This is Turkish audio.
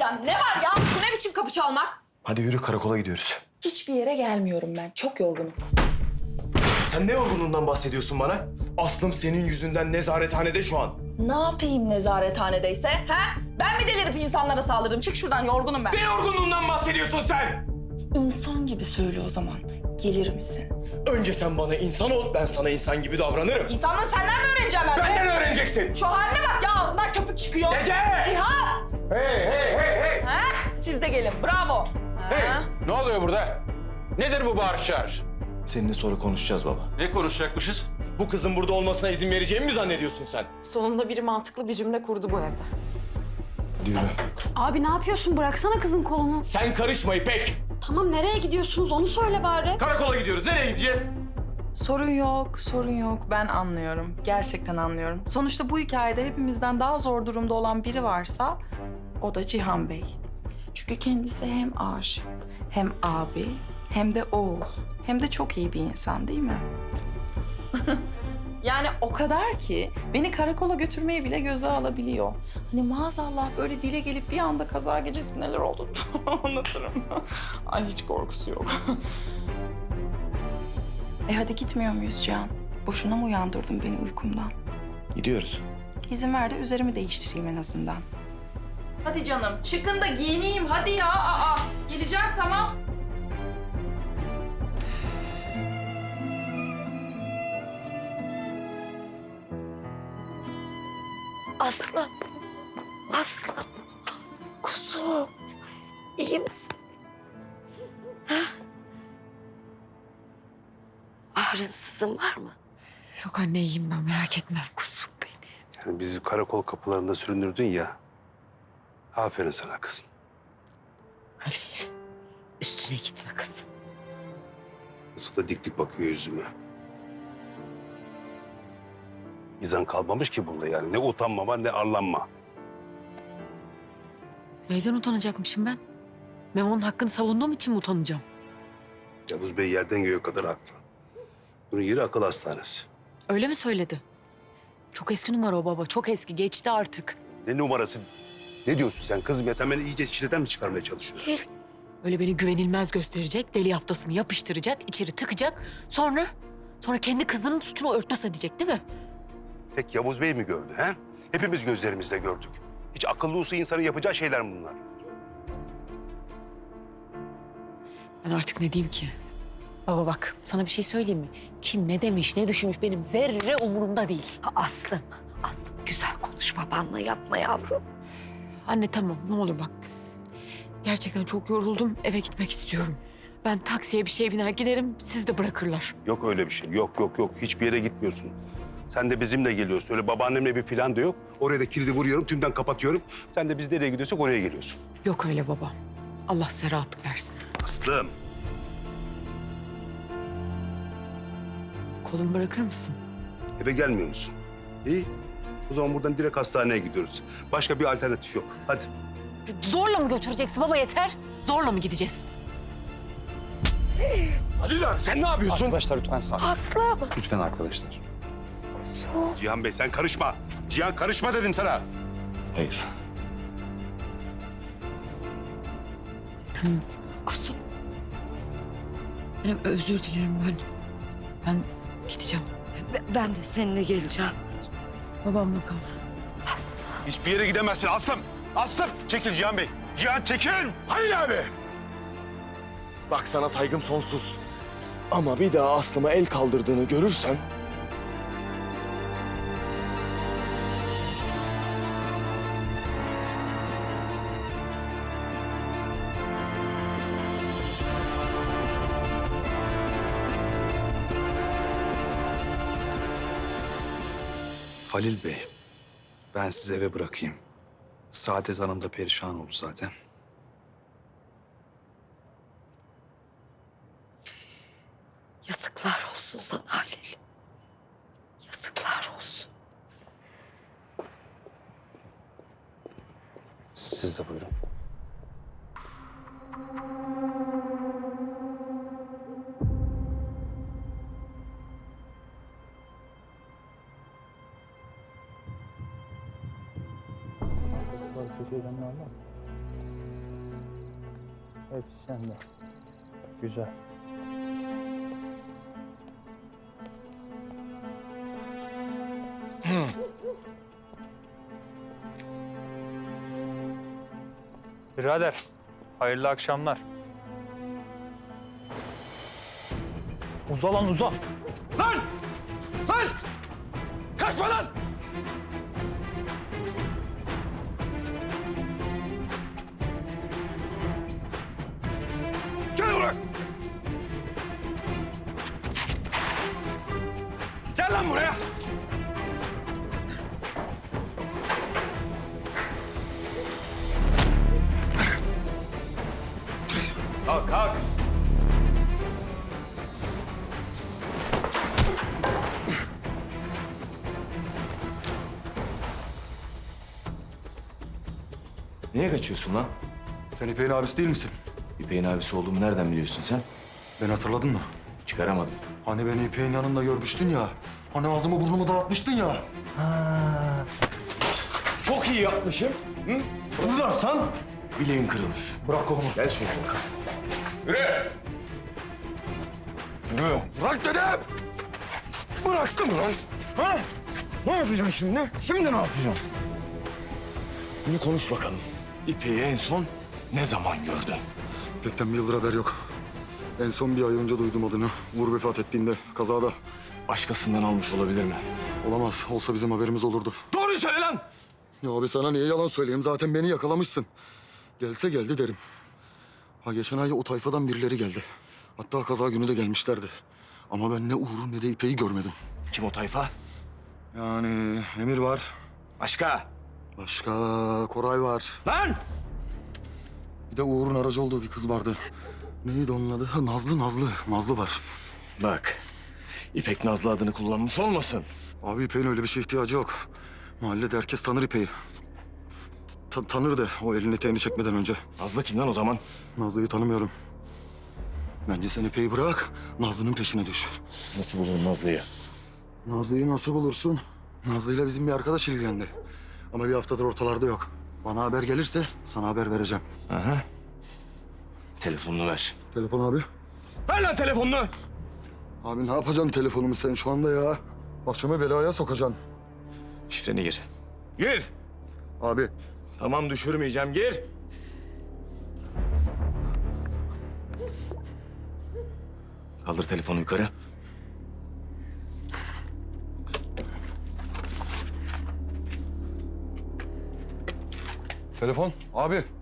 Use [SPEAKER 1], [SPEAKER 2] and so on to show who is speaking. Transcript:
[SPEAKER 1] Ya ne var ya? Bu ne biçim kapı çalmak?
[SPEAKER 2] Hadi yürü, karakola gidiyoruz.
[SPEAKER 1] Hiçbir yere gelmiyorum ben. Çok yorgunum.
[SPEAKER 2] Sen ne yorgunluğundan bahsediyorsun bana? Aslım senin yüzünden nezarethanede şu an.
[SPEAKER 1] Ne yapayım nezarethanedeyse? Ha? Ben mi delirip insanlara saldırdım? Çık şuradan, yorgunum ben.
[SPEAKER 2] Ne yorgunluğundan bahsediyorsun sen?
[SPEAKER 1] İnsan gibi söyle o zaman. Gelir misin?
[SPEAKER 2] Önce sen bana insan ol, ben sana insan gibi davranırım.
[SPEAKER 1] İnsanlığı senden mi öğreneceğim ben?
[SPEAKER 2] Benden öğreneceksin.
[SPEAKER 1] Şu haline bak ya, ağzından köpük çıkıyor.
[SPEAKER 2] Ece!
[SPEAKER 1] Cihan!
[SPEAKER 3] Hey!
[SPEAKER 1] Ha? Siz de gelin, bravo.
[SPEAKER 3] Hey!
[SPEAKER 1] Ha?
[SPEAKER 3] Ne oluyor burada? Nedir bu bağırış çağırış?
[SPEAKER 2] Seninle sonra konuşacağız baba.
[SPEAKER 3] Ne konuşacakmışız?
[SPEAKER 2] Bu kızın burada olmasına izin vereceğimi mi zannediyorsun sen?
[SPEAKER 1] Sonunda biri mantıklı bir cümle kurdu bu evde.
[SPEAKER 2] Yürü.
[SPEAKER 4] Abi ne yapıyorsun? Bıraksana kızın kolunu.
[SPEAKER 2] Sen karışma İpek.
[SPEAKER 4] Tamam nereye gidiyorsunuz onu söyle bari.
[SPEAKER 2] Karakola gidiyoruz. Nereye gideceğiz?
[SPEAKER 1] Sorun yok, sorun yok. Ben anlıyorum. Gerçekten anlıyorum. Sonuçta bu hikayede hepimizden daha zor durumda olan biri varsa o da Cihan Bey. Çünkü kendisi hem aşık, hem abi, hem de oğul. Hem de çok iyi bir insan değil mi? Yani o kadar ki beni karakola götürmeyi bile göze alabiliyor. Hani maazallah böyle dile gelip bir anda kaza gecesi neler oldu anlatırım. Ay hiç korkusu yok. Hadi gitmiyor muyuz Cihan? Boşuna mı uyandırdın beni uykumdan?
[SPEAKER 2] Gidiyoruz.
[SPEAKER 1] İzin ver de üzerimi değiştireyim en azından. Hadi canım, çıkın da giyineyim hadi ya. Geleceğim tamam.
[SPEAKER 5] Aslım. Aslım. Kuzum. İyi misin? Ha? Ağrın sızın var mı?
[SPEAKER 6] Yok anne iyiyim ben merak etme.
[SPEAKER 5] Kuzum benim.
[SPEAKER 7] Yani bizi karakol kapılarında süründürdün ya. Aferin sana kızım.
[SPEAKER 5] Halil. Üstüne gitme kız.
[SPEAKER 7] Nasıl da dik dik bakıyor yüzüme. İzan kalmamış ki bunda yani. Ne utanmama ne arlanma.
[SPEAKER 6] Neyden utanacakmışım ben? Memo'nun hakkını savunduğum için mi utanacağım?
[SPEAKER 7] Yavuz Bey yerden göğe kadar haklı. Bunun yeri akıl hastanesi.
[SPEAKER 6] Öyle mi söyledi? Çok eski numara o baba. Çok eski. Geçti artık.
[SPEAKER 7] Ne numarası? Ne diyorsun sen kızım ya? Sen beni iyice çileden mi çıkarmaya çalışıyorsun?
[SPEAKER 5] Halil.
[SPEAKER 6] Öyle beni güvenilmez gösterecek. Deli haftasını yapıştıracak. İçeri tıkacak. Sonra kendi kızının suçunu örtbas edecek değil mi?
[SPEAKER 7] Tek Yavuz Bey mi gördü he? Hepimiz gözlerimizle gördük. Hiç akıllı olsa insanın yapacağı şeyler mi bunlar?
[SPEAKER 6] Ben artık ne diyeyim ki? Baba bak sana bir şey söyleyeyim mi? Kim ne demiş, ne düşünmüş benim zerre umurumda değil.
[SPEAKER 5] Aslım. Aslım güzel konuş babanla yapma yavrum.
[SPEAKER 6] Anne tamam ne olur bak. Gerçekten çok yoruldum. Eve gitmek istiyorum. Ben taksiye bir şey biner giderim. Siz de bırakırlar.
[SPEAKER 7] Yok öyle bir şey. Yok. Hiçbir yere gitmiyorsun. Sen de bizimle geliyorsun. Öyle babaannemle bir plan da yok. Oraya da kilidi vuruyorum, tümden kapatıyorum. Sen de biz nereye gidiyorsak oraya geliyorsun.
[SPEAKER 6] Yok öyle baba. Allah size rahatlık versin.
[SPEAKER 7] Aslım.
[SPEAKER 6] Kolumu bırakır mısın?
[SPEAKER 7] Eve gelmiyor musun? İyi. O zaman buradan direkt hastaneye gidiyoruz. Başka bir alternatif yok. Hadi.
[SPEAKER 6] Zorla mı götüreceksin baba yeter? Zorla mı gideceğiz?
[SPEAKER 2] Hadi lan sen ne yapıyorsun?
[SPEAKER 8] Arkadaşlar lütfen sakin.
[SPEAKER 5] Aslım.
[SPEAKER 8] Lütfen arkadaşlar.
[SPEAKER 5] Kuzum.
[SPEAKER 7] Cihan Bey sen karışma. Cihan karışma dedim sana.
[SPEAKER 8] Hayır.
[SPEAKER 6] Tamam.
[SPEAKER 5] Kuzum.
[SPEAKER 6] Benim özür dilerim ben. Ben gideceğim.
[SPEAKER 5] Ben de seninle geleceğim.
[SPEAKER 6] Babamla kal.
[SPEAKER 5] Aslım.
[SPEAKER 7] Hiçbir yere gidemezsin Aslım. Aslım çekil Cihan Bey. Cihan çekil.
[SPEAKER 2] Halil abi. Bak sana saygım sonsuz. Ama bir daha Aslıma el kaldırdığını görürsem...
[SPEAKER 8] Halil Bey, ben sizi eve bırakayım. Saadet Hanım da perişan oldu zaten.
[SPEAKER 5] Yazıklar olsun sana Halil. Yazıklar olsun.
[SPEAKER 8] Siz de buyurun.
[SPEAKER 9] Hepsi sende. Güzel. Birader, hayırlı akşamlar. Uza lan uza.
[SPEAKER 2] Lan! Lan! Kaçma lan! Gel buraya! Gel lan buraya!
[SPEAKER 3] Kalk kalk.
[SPEAKER 2] Niye kaçıyorsun lan?
[SPEAKER 8] Sen İpek'in abisi değil misin?
[SPEAKER 2] İpek'in abisi olduğumu nereden biliyorsun sen?
[SPEAKER 8] Beni hatırladın mı?
[SPEAKER 2] Çıkaramadım.
[SPEAKER 8] Hani beni İpek'in yanında görmüştün ya. Hani ağzımı burnumu dağıtmıştın ya.
[SPEAKER 2] Çok iyi yapmışım. Hı? Vurarsan bileğin kırılır.
[SPEAKER 8] Bırak kolumu.
[SPEAKER 2] Gel şöyle bakalım.
[SPEAKER 3] Yürü.
[SPEAKER 2] Yürü. Bırak dedim. Bıraktım lan. Ha? Ne yapacaksın şimdi? Şimdi ne yapacaksın? Bunu konuş bakalım. İpek'i en son ne zaman gördün?
[SPEAKER 8] İpek'ten bir yıldır haber yok. En son bir ay önce duydum adını. Uğur vefat ettiğinde kazada.
[SPEAKER 2] Başkasından almış olabilir mi?
[SPEAKER 8] Olamaz. Olsa bizim haberimiz olurdu.
[SPEAKER 2] Doğruyu söyle lan!
[SPEAKER 8] Ya abi sana niye yalan söyleyeyim? Zaten beni yakalamışsın. Gelse geldi derim. Ha geçen ay o tayfadan birileri geldi. Hatta kaza günü de gelmişlerdi. Ama ben ne Uğur'u ne de İpek'i görmedim.
[SPEAKER 2] Kim o tayfa?
[SPEAKER 8] Yani Emir var.
[SPEAKER 2] Başka?
[SPEAKER 8] Başka Koray var.
[SPEAKER 2] Lan!
[SPEAKER 8] Bir de Uğur'un aracı olduğu bir kız vardı. Neydi onun adı? Ha, Nazlı var.
[SPEAKER 2] Bak, İpek Nazlı adını kullanmış olmasın.
[SPEAKER 8] Abi İpek'in öyle bir şeye ihtiyacı yok. Mahallede herkes tanır İpek'i. Tanırdı o elini eteğini çekmeden önce.
[SPEAKER 2] Nazlı kimden o zaman?
[SPEAKER 8] Nazlı'yı tanımıyorum. Bence sen İpek'i bırak, Nazlı'nın peşine düş.
[SPEAKER 2] Nasıl bulurum Nazlı'yı?
[SPEAKER 8] Nazlı'yı nasıl bulursun? Nazlı'yla bizim bir arkadaş ilgilendi. Ama bir haftadır ortalarda yok. Bana haber gelirse sana haber vereceğim.
[SPEAKER 2] Aha. Telefonunu ver.
[SPEAKER 8] Telefon abi.
[SPEAKER 2] Ver lan telefonunu!
[SPEAKER 8] Abi ne yapacaksın telefonumu sen şu anda ya? Başımı belaya sokacaksın.
[SPEAKER 2] Şifreni gir. Gir!
[SPEAKER 8] Abi
[SPEAKER 2] Tamam düşürmeyeceğim, gir. Kaldır telefonu yukarı.
[SPEAKER 8] telefon. Abi